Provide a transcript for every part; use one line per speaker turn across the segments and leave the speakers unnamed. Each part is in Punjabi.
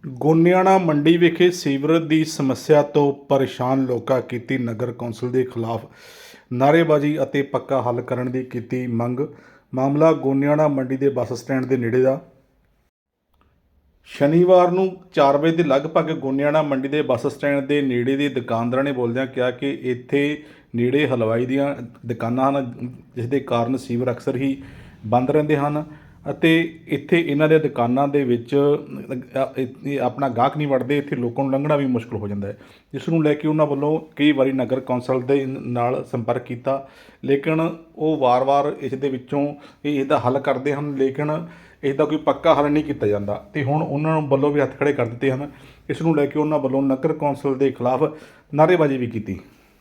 ਗੋਨਿਆਣਾ ਮੰਡੀ ਵਿਖੇ ਸੀਵਰੇਜ ਦੀ ਸਮੱਸਿਆ ਤੋਂ ਪਰੇਸ਼ਾਨ ਲੋਕਾਂ ਕੀਤੀ ਨਗਰ ਕੌਂਸਲ ਦੇ ਖਿਲਾਫ ਨਾਅਰੇਬਾਜ਼ੀ ਅਤੇ ਪੱਕਾ ਹੱਲ ਕਰਨ ਦੀ ਕੀਤੀ ਮੰਗ। ਮਾਮਲਾ ਗੋਨਿਆਣਾ ਮੰਡੀ ਦੇ ਬੱਸ ਸਟੈਂਡ ਦੇ ਨੇੜੇ ਦਾ। ਸ਼ਨੀਵਾਰ ਨੂੰ 4 ਵਜੇ ਦੇ ਲਗਭਗ ਗੋਨਿਆਣਾ ਮੰਡੀ ਦੇ ਬੱਸ ਸਟੈਂਡ ਦੇ ਨੇੜੇ ਦੇ ਦੁਕਾਨਦਾਰਾਂ ਨੇ ਬੋਲਦਿਆਂ ਕਿਹਾ ਕਿ ਇੱਥੇ ਨੇੜੇ ਹਲਵਾਈ ਦੀਆਂ ਦੁਕਾਨਾਂ ਹਨ, ਜਿਸ ਦੇ ਕਾਰਨ ਸੀਵਰ ਅਕਸਰ ਹੀ ਬੰਦ ਰਹਿੰਦੇ ਹਨ ਅਤੇ ਇੱਥੇ ਇਹਨਾਂ ਦੇ ਦੁਕਾਨਾਂ ਦੇ ਵਿੱਚ ਆਪਣਾ ਗਾਹਕ ਨਹੀਂ ਵੜਦੇ। ਇੱਥੇ ਲੋਕਾਂ ਨੂੰ ਲੰਘਣਾ ਵੀ ਮੁਸ਼ਕਲ ਹੋ ਜਾਂਦਾ ਹੈ, ਜਿਸ ਨੂੰ ਲੈ ਕੇ ਉਹਨਾਂ ਵੱਲੋਂ ਕਈ ਵਾਰੀ ਨਗਰ ਕੌਂਸਲ ਦੇ ਨਾਲ ਸੰਪਰਕ ਕੀਤਾ, ਲੇਕਿਨ ਉਹ ਵਾਰ-ਵਾਰ ਇਸ ਦੇ ਵਿੱਚੋਂ ਇਹਦਾ ਹੱਲ ਕਰਦੇ ਹਨ, ਲੇਕਿਨ ਇਸ ਦਾ ਕੋਈ ਪੱਕਾ ਹੱਲ ਨਹੀਂ ਕੀਤਾ ਜਾਂਦਾ ਅਤੇ ਹੁਣ ਉਹਨਾਂ ਨੂੰ ਵੱਲੋਂ ਵੀ ਹੱਥ ਖੜ੍ਹੇ ਕਰ ਦਿੱਤੇ ਹਨ। ਇਸ ਨੂੰ ਲੈ ਕੇ ਉਹਨਾਂ ਵੱਲੋਂ ਨਗਰ ਕੌਂਸਲ ਦੇ ਖਿਲਾਫ ਨਾਅਰੇਬਾਜ਼ੀ ਵੀ ਕੀਤੀ।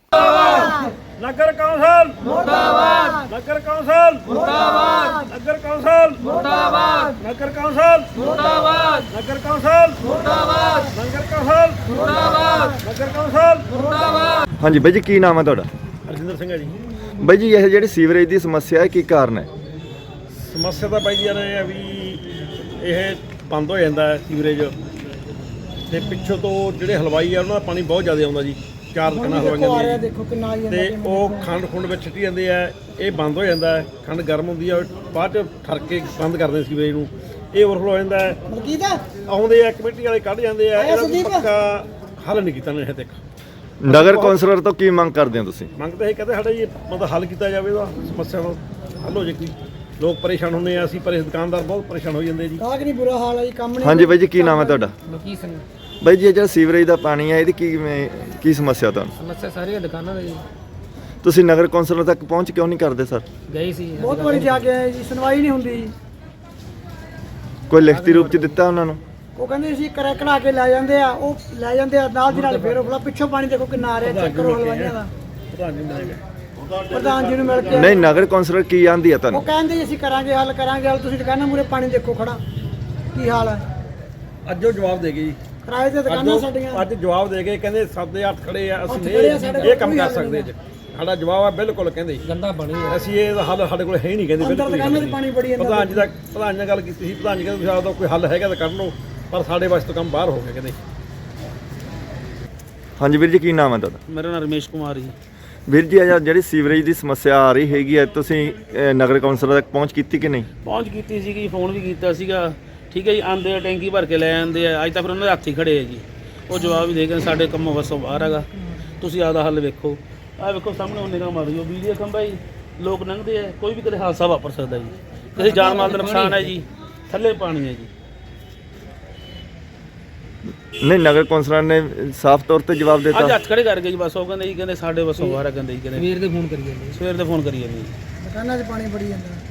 ਨਗਰ ਕੌਂਸਲ ਮੁਰਦਾਬਾਦ, ਨਗਰ ਕੌਂਸਲ ਮੁਰਦਾਬਾਦ, ਨਗਰ ਕੌਂਸਲ ਮੁਰਦਾਬਾਦ, ਨਗਰ ਕੌਂਸਲ ਮੁਰਦਾਬਾਦ, ਨਗਰ ਕੌਂਸਲ ਮੁਰਦਾਬਾਦ, ਨਗਰ ਕੌਂਸਲ ਮੁਰਦਾਬਾਦ, ਨਗਰ ਕੌਂਸਲ ਮੁਰਦਾਬਾਦ।
ਹਾਂਜੀ ਬਾਈ ਜੀ, ਕੀ ਨਾਮ ਹੈ ਤੁਹਾਡਾ?
ਹਰਜਿੰਦਰ ਸਿੰਘ ਹੈ ਜੀ।
ਬਾਈ ਜੀ, ਇਹ ਜਿਹੜੀ ਸੀਵਰੇਜ ਦੀ ਸਮੱਸਿਆ ਹੈ, ਕੀ ਕਾਰਨ ਹੈ?
ਸਮੱਸਿਆ ਤਾਂ ਬਾਈ ਜੀ ਇਹ ਹੈ ਵੀ ਇਹ ਬੰਦ ਹੋ ਜਾਂਦਾ ਹੈ ਸੀਵਰੇਜ, ਤੇ ਪਿੱਛੋਂ ਤੋਂ ਜਿਹੜੇ ਹਲਵਾਈ ਆ ਉਹਨਾਂ ਦਾ ਪਾਣੀ ਬਹੁਤ ਜ਼ਿਆਦਾ ਆਉਂਦਾ ਜੀ। 4 ਦੁਕਾਨਾਂ ਹਲਵਾਈਆਂ ਦੀਆਂ ਤੇ ਉਹ ਖੰਡ ਖੁੰਡ ਵਿੱਚ ਛਿੱਟੀ ਜਾਂਦੇ ਆ, ਇਹ ਬੰਦ ਹੋ ਜਾਂਦਾ ਹੈ। ਖੰਡ ਗਰਮ ਹੁੰਦੀ ਆ, ਬਾਅਦ ਚ ਠਰਕ ਕੇ ਬੰਦ ਕਰਦੇ ਸੀਵਰੇਜ ਨੂੰ, ਇਹ ਓਵਰਫਲੋ ਹੋ ਜਾਂਦਾ ਹੈ। ਆਉਂਦੇ ਆ ਕਮੇਟੀ ਵਾਲੇ ਕੱਢ ਜਾਂਦੇ ਆ, ਇਹਦਾ ਪੱਕਾ ਹੱਲ ਨਹੀਂ ਕੀਤਾ ਹਜੇ ਤੱਕ।
ਨਗਰ ਕੌਂਸਲਰ ਤੋਂ ਕੀ ਮੰਗ ਕਰਦੇ ਹੋ ਤੁਸੀਂ?
ਮੰਗ ਤਾਂ ਇਹ ਕਹਿੰਦੇ ਸਾਡਾ ਜੀ ਮਤਲਬ ਹੱਲ ਕੀਤਾ ਜਾਵੇ, ਇਹਦਾ ਸਮੱਸਿਆ ਦਾ ਹੱਲ ਹੋ ਜੇ। ਕੋਈ ਲੋਕ ਪਰੇਸ਼ਾਨ ਹੁੰਦੇ ਆ, ਅਸੀਂ ਦੁਕਾਨਦਾਰ ਬਹੁਤ ਪਰੇਸ਼ਾਨ ਹੋ ਜਾਂਦੇ ਜੀ।
ਕਾਗ ਨਹੀਂ ਬੁਰਾ ਹਾਲ ਹੈ ਜੀ, ਕੰਮ ਨਹੀਂ।
ਹਾਂਜੀ ਬਾਈ ਜੀ, ਕੀ ਨਾਮ ਹੈ ਤੁਹਾਡਾ?
ਮਲਕੀਤ ਸਿੰਘ।
ਬਾਈ ਜੀ, ਇਹ ਜਿਹੜਾ ਸੀਵਰੇਜ ਦਾ ਪਾਣੀ ਹੈ, ਇਹਦੀ ਕੀ ਸਮੱਸਿਆ ਤੁਹਾਨੂੰ?
ਸਮੱਸਿਆ ਸਾਰੀਆਂ ਦੁਕਾਨਾਂ ਦੀ।
ਤੁਸੀਂ ਨਗਰ ਕੌਂਸਲਰ ਤੱਕ ਪਹੁੰਚ ਕਿਉਂ ਨਹੀਂ ਕਰਦੇ ਸਰ?
ਗਏ ਸੀ ਬਹੁਤ ਵਾਰੀ ਜਾ ਕੇ ਆਏ ਜੀ, ਸੁਣਵਾਈ ਨਹੀਂ ਹੁੰਦੀ ਜੀ।
ਕੋਈ ਲਿਖਤੀ ਰੂਪ ਚ ਦਿੱਤਾ ਉਹਨਾਂ ਨੂੰ?
ਉਹ ਕਹਿੰਦੇ ਸੀ ਕੜਾ ਕੇ ਲੈ ਜਾਂਦੇ ਆ, ਉਹ ਲੈ ਜਾਂਦੇ ਆ ਨਾਲ ਦੀ ਨਾਲ ਫੇਰ ਉਹ ਪਿੱਛੋਂ ਪਾਣੀ ਦੇਖੋ ਕਿੰਨਾ ਆ ਰਿਹਾ, ਚੈੱਕ ਕਰੋ ਹਲਵਾਈਆਂ ਦਾ। ਪ੍ਰਧਾਨ ਜੀ ਨੂੰ ਮਿਲ ਕੇ
ਨਹੀਂ, ਨਗਰ ਕੌਂਸਲਰ ਕੀ ਆਂਦੀ ਆ ਤੁਹਾਨੂੰ?
ਉਹ ਕਹਿੰਦੇ ਜੀ ਅਸੀਂ ਕਰਾਂਗੇ ਹੱਲ ਤੁਸੀਂ ਦੁਕਾਨਾਂ ਮੂਰੇ ਪਾਣੀ ਦੇਖੋ ਖੜਾ ਕੀ ਹਾਲ ਹੈ।
ਅੱਜ ਉਹ ਜਵਾਬ ਦੇ ਗਏ ਜੀ,
ਕਿਰਾਏ ਤੇ ਦੁਕਾਨਾਂ ਸਾਡੀਆਂ
ਅੱਜ ਜਵਾਬ ਦੇ ਗਏ, ਕਹਿੰਦੇ ਸਾਡੇ ਹੱਥ ਖੜੇ ਆ, ਅਸੀਂ ਇਹ ਕੰਮ ਕਰ ਸਕਦੇ ਜੀ। ਸਾਡਾ ਜਵਾਬ ਆ ਬਿਲਕੁਲ, ਕਹਿੰਦੇ
ਗੰਦਾ ਪਾਣੀ
ਅਸੀਂ ਇਹਦਾ ਹੱਲ ਸਾਡੇ ਕੋਲ ਹੈ ਹੀ ਨਹੀਂ, ਕਹਿੰਦੇ ਬਿਲਕੁਲ।
ਦੁਕਾਨਾਂ 'ਚ ਪਾਣੀ ਬੜੀ ਜਾਂਦਾ।
ਪ੍ਰਧਾਨ ਜੀ ਨਾਲ ਗੱਲ ਕੀਤੀ ਸੀ, ਪ੍ਰਧਾਨ ਜੀ ਕਹਿੰਦੇ ਤੁਸੀਂ ਕੋਈ ਹੱਲ ਹੈਗਾ ਤਾਂ ਕਰ ਲਓ, ਪਰ ਸਾਡੇ ਵਾਸਤੇ ਕੰਮ ਬਾਹਰ ਹੋ ਗਿਆ ਕਹਿੰਦੇ।
ਹਾਂਜੀ ਵੀਰ ਜੀ, ਕੀ ਨਾਮ ਹੈ ਤੁਹਾਡਾ?
ਮੇਰਾ ਨਾਮ ਰਮੇਸ਼ ਕੁਮਾਰ ਜੀ।
ਵੀਰ ਜੀ, ਜਿਹੜੀ ਸੀਵਰੇਜ ਦੀ ਸਮੱਸਿਆ ਆ ਰਹੀ ਹੈਗੀ ਹੈ, ਤੁਸੀਂ ਨਗਰ ਕੌਂਸਲਰ ਤੱਕ ਪਹੁੰਚ ਕੀਤੀ ਕਿ ਨਹੀਂ?
ਪਹੁੰਚ ਕੀਤੀ ਸੀਗੀ, ਫੋਨ ਵੀ ਕੀਤਾ ਸੀਗਾ, ਠੀਕ ਹੈ ਜੀ। ਆਉਂਦੇ ਆ ਟੈਂਕੀ ਭਰ ਕੇ ਲੈ ਜਾਂਦੇ ਆ, ਅੱਜ ਤਾਂ ਫਿਰ ਉਹਨਾਂ ਦੇ ਹੱਥ ਹੀ ਖੜੇ ਆ ਜੀ। ਉਹ ਜਵਾਬ ਵੀ ਦੇ ਕੇ ਸਾਡੇ ਕੰਮੋਂ ਵੱਸੋਂ ਬਾਹਰ ਹੈਗਾ, ਤੁਸੀਂ ਆਪਦਾ ਹੱਲ ਵੇਖੋ। ਆਹ ਵੇਖੋ ਸਾਹਮਣੇ ਉਹ ਨਿਗਾਹ ਮਾਰਿਓ, ਬਿਜਲੀ ਦਾ ਖੰਭਾ ਜੀ, ਲੋਕ ਲੰਘਦੇ ਆ, ਕੋਈ ਵੀ ਕਦੇ ਹਾਦਸਾ ਵਾਪਰ ਸਕਦਾ ਜੀ, ਕਿਸੇ ਜਾਨ ਮਾਲ ਦਾ ਨੁਕਸਾਨ ਹੈ ਜੀ, ਥੱਲੇ ਪਾਣੀ ਹੈ ਜੀ।
ਨਹੀਂ, ਨਗਰ ਕੌਂਸਲਰ ਨੇ ਸਾਫ਼ ਤੌਰ ਤੇ ਜਵਾਬ ਦਿੱਤਾ।
ਅੱਜ ਹੱਥ ਖੜੇ ਕਰ ਗਏ ਜੀ, ਬਸ ਉਹ ਕਹਿੰਦੇ ਜੀ, ਕਹਿੰਦੇ ਸਾਡੇ ਵੱਸੋਂ ਬਾਹਰ ਹੈ, ਕਹਿੰਦੇ ਜੀ, ਕਹਿੰਦੇ
ਸਵੇਰ ਦੇ ਫੋਨ ਕਰੀ ਜਾਂਦੇ
ਸਵੇਰ ਦੇ ਫੋਨ ਕਰੀ ਜਾਂਦੇ ਜੀ।
ਦੁਕਾਨਾਂ 'ਚ ਪਾਣੀ ਬੜੀ ਜਾਂਦਾ।